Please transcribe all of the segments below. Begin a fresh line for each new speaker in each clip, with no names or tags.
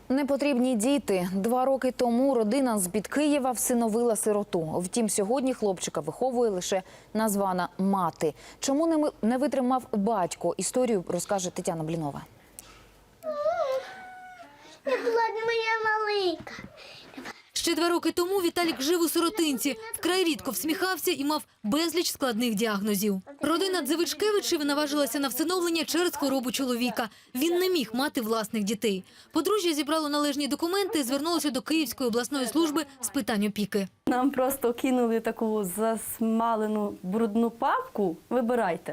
Непотрібні діти. 2 роки тому родина з-під Києва всиновила сироту. Втім, сьогодні хлопчика виховує лише названа мати. Чому не витримав батько? Історію розкаже Тетяна Блінова.
Не була моя маленька.
Ще 2 роки тому Віталік жив у сиротинці. Вкрай рідко всміхався і мав безліч складних діагнозів. Родина Дзивичкевичів наважилася на всиновлення через хворобу чоловіка. Він не міг мати власних дітей. Подружжя зібрало належні документи і звернулося до Київської обласної служби з питань опіки.
Нам просто кинули таку засмалену брудну папку «Вибирайте».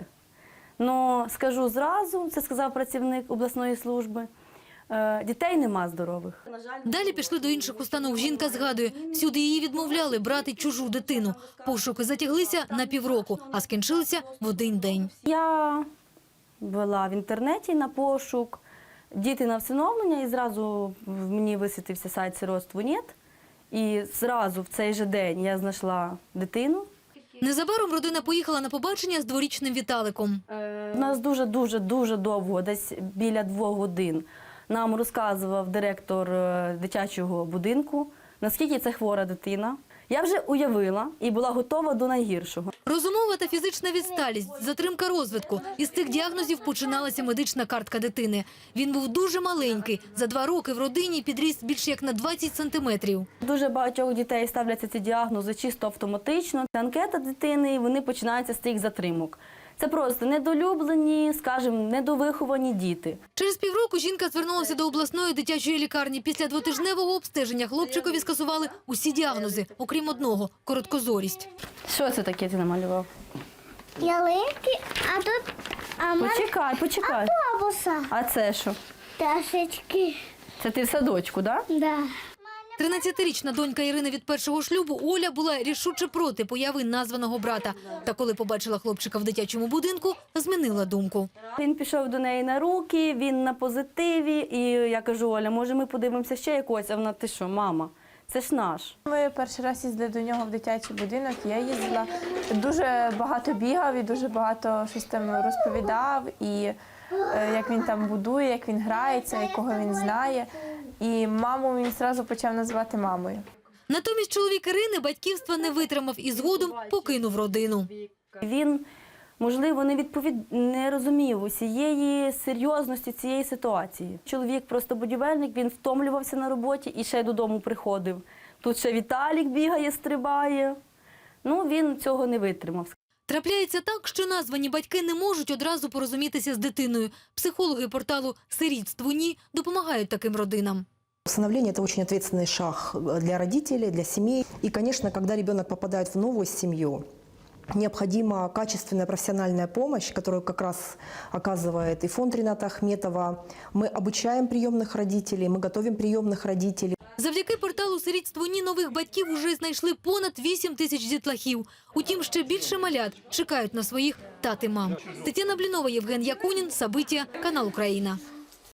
Ну, скажу зразу, це сказав працівник обласної служби, дітей нема здорових.
Далі пішли до інших установ. Жінка згадує, всюди її відмовляли брати чужу дитину. Пошуки затяглися на півроку, а скінчилися в один день.
Я ввела в інтернеті на пошук «Діти на всиновлення» і зразу мені висвітився сайт «Сиротство.нет». І зразу в цей же день я знайшла дитину.
Незабаром родина поїхала на побачення з 2-річним Віталиком.
У нас дуже довго, десь біля 2 годин, нам розказував директор дитячого будинку, наскільки це хвора дитина. Я вже уявила і була готова до найгіршого.
Розумова та фізична відсталість, затримка розвитку. Із цих діагнозів починалася медична картка дитини. Він був дуже маленький. За 2 роки в родині підріс більше як на 20 сантиметрів.
Дуже багатьох дітей ставляться ці діагнози чисто автоматично. Анкета дитини, вони починаються з тих затримок. Це просто недолюблені, скажімо, недовиховані діти.
Через півроку жінка звернулася до обласної дитячої лікарні. Після 2-тижневого обстеження хлопчикові скасували усі діагнози, окрім одного – короткозорість.
Що це таке ти намалював?
Ялинки, а тут
Почекай.
автобуса.
А це що?
Пташечки.
Це ти в садочку, так?
Да.
13-річна донька Ірини від першого шлюбу Оля була рішуче проти появи названого брата. Та коли побачила хлопчика в дитячому будинку, змінила думку.
Він пішов до неї на руки, він на позитиві. І я кажу: Оля, може ми подивимося ще якогось? А вона: ти що, мама? Це ж наш.
Ми перший раз їздили до нього в дитячий будинок, я їздила, дуже багато бігав і дуже багато щось там розповідав, і як він там будує, як він грається, якого він знає. І маму він одразу почав називати мамою.
Натомість чоловік Ірини батьківства не витримав і згодом покинув родину.
Він, можливо, не розумів усієї серйозності цієї ситуації. Чоловік просто будівельник, він втомлювався на роботі і ще додому приходив. Тут ще Віталік бігає, стрибає. Ну, він цього не витримав.
Трапляється так, що названі батьки не можуть одразу порозумітися з дитиною. Психологи порталу «Сирітство.ні» допомагають таким родинам.
Усыновление – это очень ответственный шаг для родителей, для семей. И, конечно, когда ребенок попадает в новую семью, необходима качественная профессиональная помощь, которую как раз оказывает и фонд Рената Ахметова. Мы обучаем приемных родителей, мы готовим приемных родителей.
Завдяки порталу «Сирітство.ні» нових батьків уже знайшли понад 8 тисяч дітлахів. Утім, ще більше малят чекають на своїх тат і мам. Тетяна Блінова, Євген Якунін, Сабиття, канал Україна.